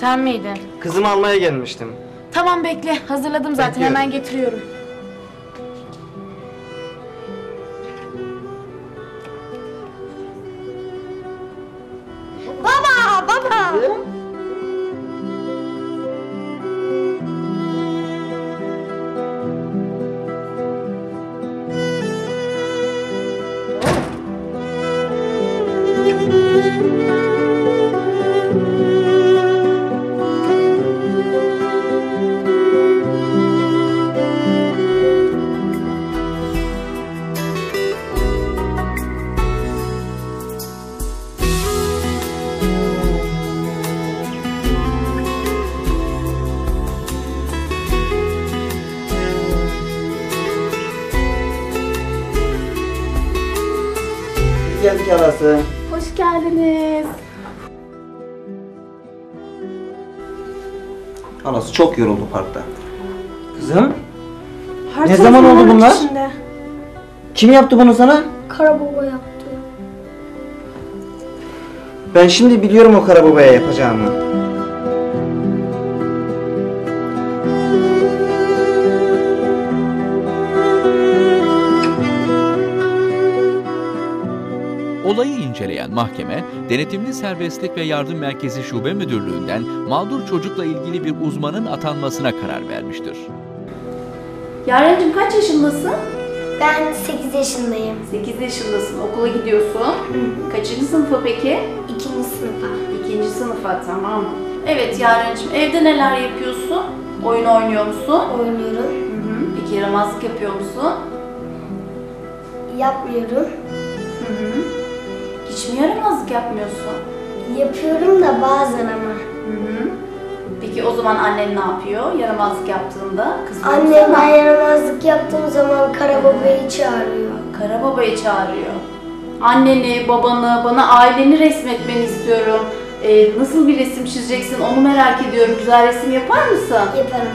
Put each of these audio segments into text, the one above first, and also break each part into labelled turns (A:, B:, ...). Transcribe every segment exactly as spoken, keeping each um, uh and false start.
A: Sen miydin?
B: Kızımı almaya gelmiştim.
A: Tamam bekle. Hazırladım zaten.
B: Bekliyorum.
A: Hemen getiriyorum.
C: Baba, baba.
B: Geldik halası.
A: Hoş geldiniz.
B: Halası çok yoruldu parkta. Kızım?
C: Her
B: Ne
C: tarafı
B: zaman oldu
C: moruk
B: bunlar?
C: içinde.
B: Kim yaptı bunu sana?
C: Karababa yaptı.
B: Ben şimdi biliyorum o karababaya yapacağımı.
D: Olayı inceleyen mahkeme, Denetimli Serbestlik ve Yardım Merkezi Şube Müdürlüğü'nden mağdur çocukla ilgili bir uzmanın atanmasına karar vermiştir.
A: Yarencim kaç yaşındasın?
C: Ben sekiz yaşındayım.
A: sekiz yaşındasın. Okula gidiyorsun. Kaçıncı sınıfa peki?
C: İkinci sınıfa.
A: İkinci sınıfa, tamam mı? Evet Yarencim, evde neler yapıyorsun? Oyun oynuyor musun?
C: Oynuyorum.
A: Hı hı. Peki yaramazlık yapıyor musun?
C: Yapmıyorum.
A: Hı hı. Hiç mi yaramazlık yapmıyorsun?
C: Yapıyorum da bazen ama.
A: Hı hı. Peki o zaman annen ne yapıyor yaramazlık yaptığında? Kızıyor mu
C: Annem
A: sana?
C: ben yaramazlık yaptığım zaman Karababayı çağırıyor.
A: Karababayı çağırıyor. Anneni, babanı, bana aileni resmetmeni istiyorum. Ee, nasıl bir resim çizeceksin onu merak ediyorum. Güzel resim yapar mısın?
C: Yaparım.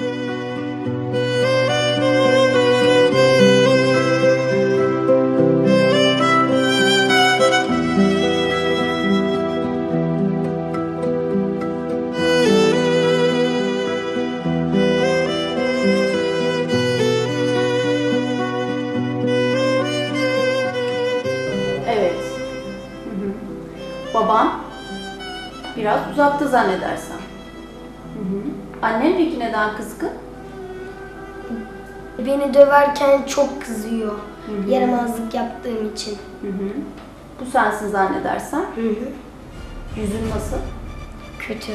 A: Evet. Hı hı. Baban biraz uzakta zannedersem. Hı hı. Annen peki neden kızgın?
C: Beni döverken çok kızıyor.
A: Hı hı.
C: Yaramazlık yaptığım için.
A: Hı hı. Bu sensin zannedersem.
C: Hı hı.
A: Yüzün nasıl?
C: Kötü.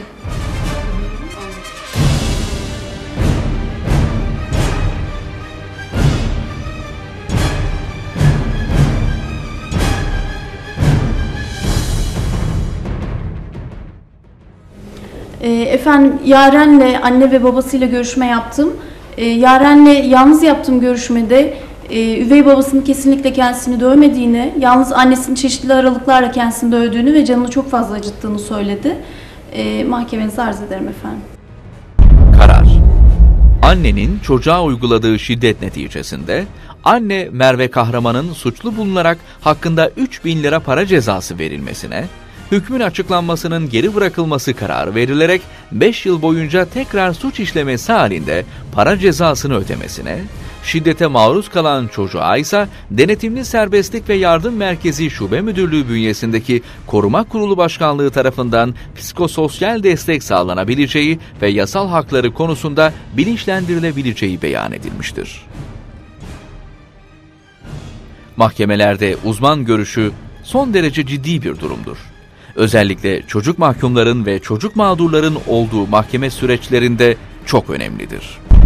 A: Ee, efendim Yaren'le anne ve babasıyla görüşme yaptım. Ee, Yaren'le yalnız yaptığım görüşmede e, üvey babasının kesinlikle kendisini dövmediğini, yalnız annesinin çeşitli aralıklarla kendisini dövdüğünü ve canını çok fazla acıttığını söyledi. Ee, mahkemenize arz ederim efendim.
D: Karar. Annenin çocuğa uyguladığı şiddet neticesinde anne Merve Kahraman'ın suçlu bulunarak hakkında üç bin lira para cezası verilmesine, hükmün açıklanmasının geri bırakılması kararı verilerek beş yıl boyunca tekrar suç işlemesi halinde para cezasını ödemesine, şiddete maruz kalan çocuğa ise Denetimli Serbestlik ve Yardım Merkezi Şube Müdürlüğü bünyesindeki Koruma Kurulu Başkanlığı tarafından psikososyal destek sağlanabileceği ve yasal hakları konusunda bilinçlendirilebileceği beyan edilmiştir. Mahkemelerde uzman görüşü son derece ciddi bir durumdur. Özellikle çocuk mahkumların ve çocuk mağdurların olduğu mahkeme süreçlerinde çok önemlidir.